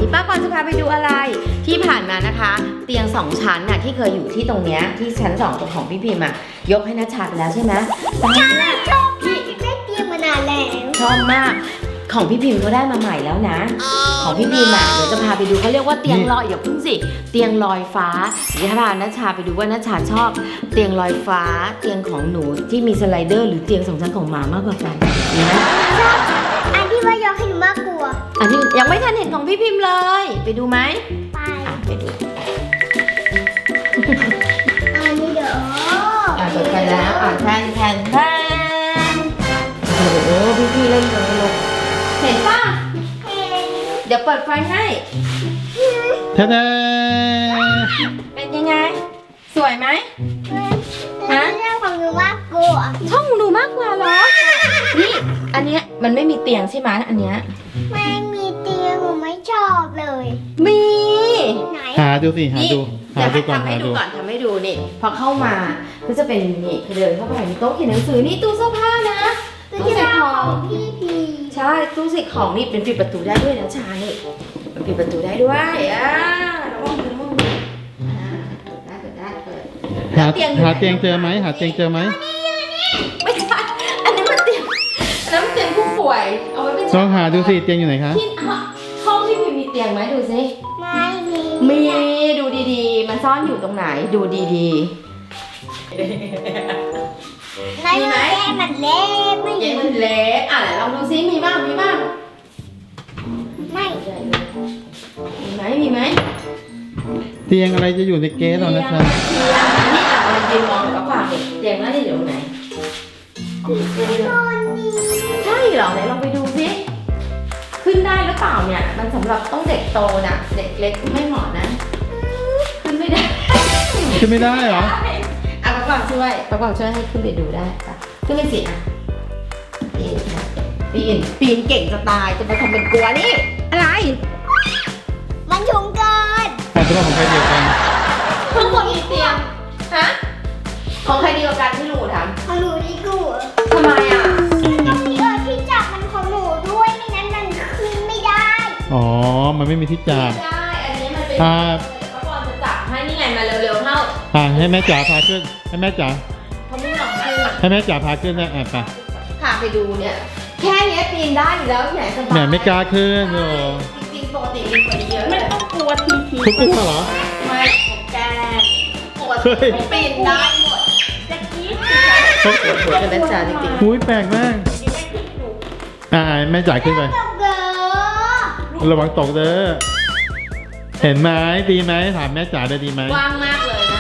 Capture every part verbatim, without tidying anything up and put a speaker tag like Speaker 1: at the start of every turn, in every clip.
Speaker 1: นี้ป้ากวางจะพาไปดูอะไรที่ผ่านมานะคะ เตียงสองชั้นน่ะที่เคยอยู่ที่ตรงเนี้ยที่ชั้นสองตรงของพี่พิมพ์อะยกให้นัชชาไปแล้วใช่ไหมตอนนี้
Speaker 2: ชอบพี่ได้เตียงมานานแล้ว
Speaker 1: ชอบมากของพี่พิมพ์ก็ได้มาใหม่แล้วนะ ของพี่พิมพ์อะเดี๋ยวจะพาไปดูเขาเรียกว่าเตียงลอยอย่าพึ่งสิเตียงลอยฟ้าเดี๋ยวจะพานัชชาไปดูว่านัชชาชอบเตียงลอยฟ้า เตียงของหนูที่มีสไลเดอร์หรือเตียงสองชั้นของหมามากกว่ากันดีไหม
Speaker 2: ชอบอันที่ว่ายกให้หนูมากกลัว
Speaker 1: อันนี้ยังไม่ทันเห็นของพี่พิมพ์เลยไปดูไหม
Speaker 2: ไป
Speaker 1: อ่ะไปดู
Speaker 2: อันนี้เดี๋ยว
Speaker 1: อ่ะเปิดไฟแล้วอ่ะแทนแทนแทนโอ้โหพี่พี่เล่นกันเลยลูกเห็นป่ะ
Speaker 2: เห็น
Speaker 1: เดี๋ยวเปิดไฟให้
Speaker 3: ท่าดา
Speaker 1: เป็นยังไง สวยไหม
Speaker 2: ฮะเรื่องของหนูมากกลัว
Speaker 1: ช่องหนูมากกว่าเหรอนี่อันเนี้ยมันไม่มีเตียงใช่ไหมอันเนี้ย
Speaker 2: ไม่มีเตียงหนูไม่ชอบเลย
Speaker 1: มี
Speaker 2: ไหน
Speaker 3: หาดูสิหา
Speaker 1: นี่
Speaker 3: ดูหา
Speaker 1: เดี๋ยว
Speaker 3: ดูก่อน
Speaker 1: ทำให้
Speaker 3: หา
Speaker 1: ดู
Speaker 3: ดู
Speaker 1: ก่อนทำให้ดูนี่พอเข้ามาก็จะเป็นนี่เดินเข้าไปมีโต๊ะเขียนหนังสือนี่ตู้เสื้อผ้านะ
Speaker 2: ตู้
Speaker 1: ตู้
Speaker 2: ที่
Speaker 1: ใส่
Speaker 2: บ้าน
Speaker 1: ข
Speaker 2: ข
Speaker 1: อ
Speaker 2: อง งพี่พี
Speaker 1: ใช่ตู้ใส่ของนี่เป็นปิดประตูได้ด้วยนะชานี่มันปิดประตูได้ด้วยอ่าระวังมือระวังมืออ่าเปิดได้เปิดได้เปิด
Speaker 3: หา
Speaker 1: เตียงอยู่ไหน
Speaker 3: หาเตียงเจอไหมหาเตียงเจอไหม
Speaker 1: ไม่ใช่อันนี้มันเตียงอันนั้นมันเตียงผู้ป่วยเอาไว้เป็น
Speaker 3: ลองหาดูสิเตียงอยู่ไหนคะ
Speaker 1: ที่ห้องที่มีมีเตียงไหมดูสิ
Speaker 2: ไม่มี
Speaker 1: มีดูดีๆ มันซ่อนอยู่ตรงไหนดูดี
Speaker 2: ในแม่มันเล็กไม่
Speaker 1: ๆ
Speaker 2: มี
Speaker 1: เย้มันเล็กอ่ะไหนลองดูซิมีบ้างมีบ้าง
Speaker 2: ไม่
Speaker 1: มีไหมมีไหม
Speaker 3: เตียงอะไรจะอยู่ในเกสเรานะ
Speaker 1: เตีย
Speaker 3: คะ
Speaker 1: งนี่อ่ะเรายืนมองกับฝากเด็กเตียงน่าจะอยู่ตรงไหน
Speaker 2: คนนี้
Speaker 1: ใช่เหรอไหนลองไปดูซิขึ้นได้หรือเปล่าเนี่ย มันสำหรับต้องเด็กโตนะเด็กเล็กไม่เหมาะนะ ขึ้นไม่ได้
Speaker 3: ขึ้นไม่ได้เหรอ
Speaker 1: อ่ะป้ากวางช่วยป้ากวางช่วยให้ขึ้นไปดูได้ปะขึ้นไปสิอ่ะปีนค่ะปีนปีนเก่งจะตายจะมาทำเป็นกลัวนี่อะไร
Speaker 2: มันสูงเกิน
Speaker 3: แต่ตัวของใครเดียวกัน
Speaker 1: ข้างบนมีเตียงฮะของใครดีกว่ากันที่หนูท
Speaker 2: ของหนูดีกว่า
Speaker 1: ำทำไมอ่ะ
Speaker 2: ตรงนี้เออที่จับมันของหนูด้วยไม่งั้นมันขึ้นไม่ได้
Speaker 3: อ๋อมันไม่มีที่จับ
Speaker 1: ได้ อันนี้มันเป็น
Speaker 3: อ่า
Speaker 1: ป้ากวางจะจับให้นี่ไงมาเร็วๆเท่า
Speaker 3: อ่าให้แม่จ๋าพาขึ้นให้แม่จ๋า
Speaker 1: เขาไม่หลอกคือ
Speaker 3: ให้แม่จ๋าพาขึ้นนะอ่ะไป
Speaker 1: พาไปดูเนี่ย แค่เนี้ยปีนได้อยู่แล้วที่ไหนสบาย
Speaker 3: แหมไม่กล้าขึ้นโอ้
Speaker 1: จริงๆปกติปีนกว่านี้เยอะไม่ต้องกลัวทีที
Speaker 3: ทุกขึ้นมาเหรอ
Speaker 1: ไม่แกปก
Speaker 3: เฮ้
Speaker 1: ติ
Speaker 3: ย
Speaker 1: ปีนได้หมดจะกี้ปวดกันนะจ๊ะจริง
Speaker 3: หุ้ยแปลกมากอ่าแม่จ๋าขึ้นไป
Speaker 2: ตกเด้อ
Speaker 3: ระวังตกเด้อเห็นไหมดีไหมถามแม่จ๋าเลยดีไหม
Speaker 1: ๆกว้างมากเลยนะ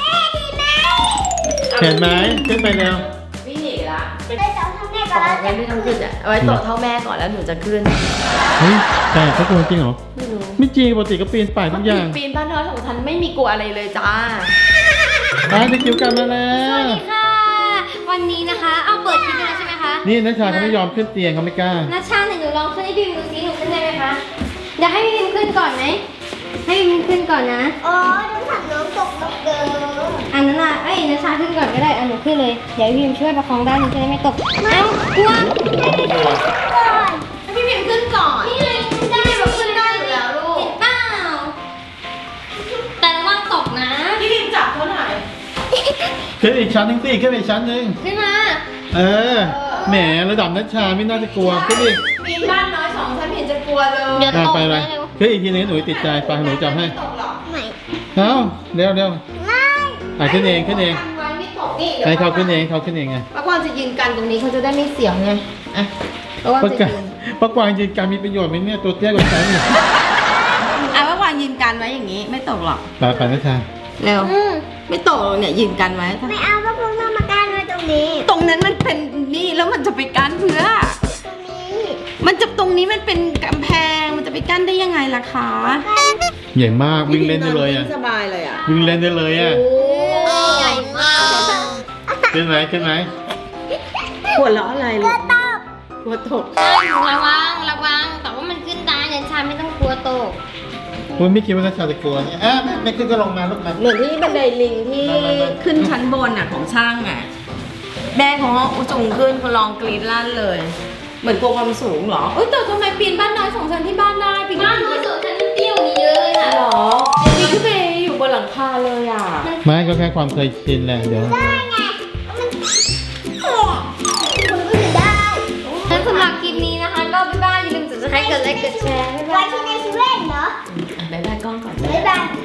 Speaker 3: เห็นไหมขึ้นไปเร็ว
Speaker 1: วิ่งหนีละ
Speaker 2: ได้แต่ทำแม่
Speaker 1: ข
Speaker 2: ก่อ
Speaker 1: อน งั้นไม่ต้องขึ้นอ่ะเอาไว้โตะเท่าแม่ก่อนแล้วหนูจะขึ้น
Speaker 3: เฮ้ยแต่เขากลัวจริงเหรอ
Speaker 1: ไม่รู้
Speaker 3: ไม่จริงปกติก็ปีนป่ายทุกอย่าง
Speaker 1: ปีนบ้านน้อยของฉันไม่มีกลัวอะไรเลยจ้า
Speaker 3: อ่ะเด็กจิ๋วกลับมาแล้
Speaker 2: สวั
Speaker 3: ว
Speaker 2: สดีค่ะ วันนี้นะคะ เอาเปิดคลิปแล้วใช่ไหมคะ
Speaker 3: นี่นัชชาเขาไม่ยอมขึ้นเตียงเขาไม่กล้า
Speaker 2: นัชชาหนูลองขึ้นให้พี่พิมดูซิหนูขึ้นได้ไหมคะ เดี๋ยวให้พี่พิมขึ้นก่อนไหม ให้พี่พิมขึ้นก่อนนะ อ๋อน้ำถังน้ำตกตกเกินอันนั้นอ่ะเอ้ยนัชชาขึ้นก่อนก็ได้อันหนูขึ้นเลย เดี๋ยวพี่พิมช่วยประคองด้านหนูจะได้ไม่ตก เอ้ากลัวก่อน
Speaker 1: ให้พี่พิมขึ้นก่อน
Speaker 2: นี่ไงขึ้นได้
Speaker 1: พี่พิมขึ้นได้อยู่แล้วลูก
Speaker 2: เห็นเปล่าแต่ระวังตกนะ
Speaker 1: พี่พิมจับเขาหน่อย
Speaker 3: ขึ้นอีกชั้นหนึงสิขึ้นไปอีกชั้นหนึง
Speaker 2: ขึ้นมา
Speaker 3: เออ แหมระดับนัชชาไม่น่าจะกลัวขึ้นอีก
Speaker 1: ปีนบ้านน้อยสองชั้นเห็นจะกลัวเลย
Speaker 2: เดี๋ยว
Speaker 3: อ่ะ
Speaker 2: ตก
Speaker 3: ไปไป
Speaker 2: นะเร็ว
Speaker 3: ขึ้นอีกทีนึงหนูติดใจไปหนูจับให้
Speaker 1: ไม่ตกหรอก
Speaker 2: ไม่
Speaker 3: เอ้าเร็วเร็ว
Speaker 2: ไม่
Speaker 3: อ่ะขึ้นเองขึ้นเอง
Speaker 1: กันไว้ไม่ตกนี่
Speaker 3: ให้เขาขึ้นเองเขาขึ้นเองไง
Speaker 1: ป้ากวางจะยืนกันตรงนี้เขาจะได้ไม่เสียวไงอ่ะป้ากวาง
Speaker 3: ปะ
Speaker 1: จะ
Speaker 3: กา
Speaker 1: ยืน
Speaker 3: ปะกวางยืนการมีประโยชน์ไหมเนี่ยตัวเตี้ยกว่าฉันอีก
Speaker 1: อ่ะป้ากวางยืนกันไว้อย่างนี้ไม่ตกหรอก
Speaker 3: ไปไปนัชชา
Speaker 1: เร็ว
Speaker 2: อืม
Speaker 1: ไม่ตกหรอกเนี่ยยืนกันไว้
Speaker 2: ไม่เอาพวกพวกน้องมากั้นไว้ตรงนี้
Speaker 1: ตรงนั้นมันเป็นนี่แล้วมันจะไปกั้นเพื่อ
Speaker 2: ตรงนี้
Speaker 1: มันจะตรงนี้มันเป็นกำแพงมันจะไปกั้นได้ยังไงล่ะคะ
Speaker 3: ใหญ่มากวิ่งเล่นได้เลยอ่ะ
Speaker 1: สบายเลยอ่ะ
Speaker 3: วิ่งเล่นได้เลยอ่ะ
Speaker 2: ใหญ่มาก
Speaker 3: ขึ้นไหมขึ้นไหม
Speaker 1: หัวเราะอะไรลูก
Speaker 2: ตบ
Speaker 1: กลัวตก
Speaker 2: ระวังระวังแต่ว่ามันขึ้นได้เนนชาไม่ต้องกลัวตก
Speaker 3: คุณไม่คิดว่านัชชาจะกลัวเนี่ยอ่ะแม่ไม่ขึ้นก็ลงมาลูกมา
Speaker 1: เหมือนที่บันไดลิงที่ขึ้นชั้นบนอ่ะของช่างอ่ะแม่ของเขาสูงขึ้นเขาลองกรีดลั่นเลย เหมือนกลัวความสูงเหรอเอ้ยแต่ทำไมปีนบ้านน้อยสองชั้นที่บ้านได้ปีน
Speaker 2: บ้านน้อยสุดฉันยัง
Speaker 1: หรอนี่ขึ้นไปอยู่บนหลังคาเลยอ่ะ
Speaker 3: ไม่ก็แค่ความเคยชินแหละเดี๋ยว
Speaker 2: ได้ไงมันคุณก็อยู่ได้งั้นสำหรับคลิปนี้นะคะก็บ๊ายบายอย่าลืมกดไลค์กดไลค์กดแชร์บ๊ายบายไว้ที่ในชีวิตเหรอ
Speaker 1: บ๊ายบายกล้องก่อน
Speaker 2: บ๊ายบาย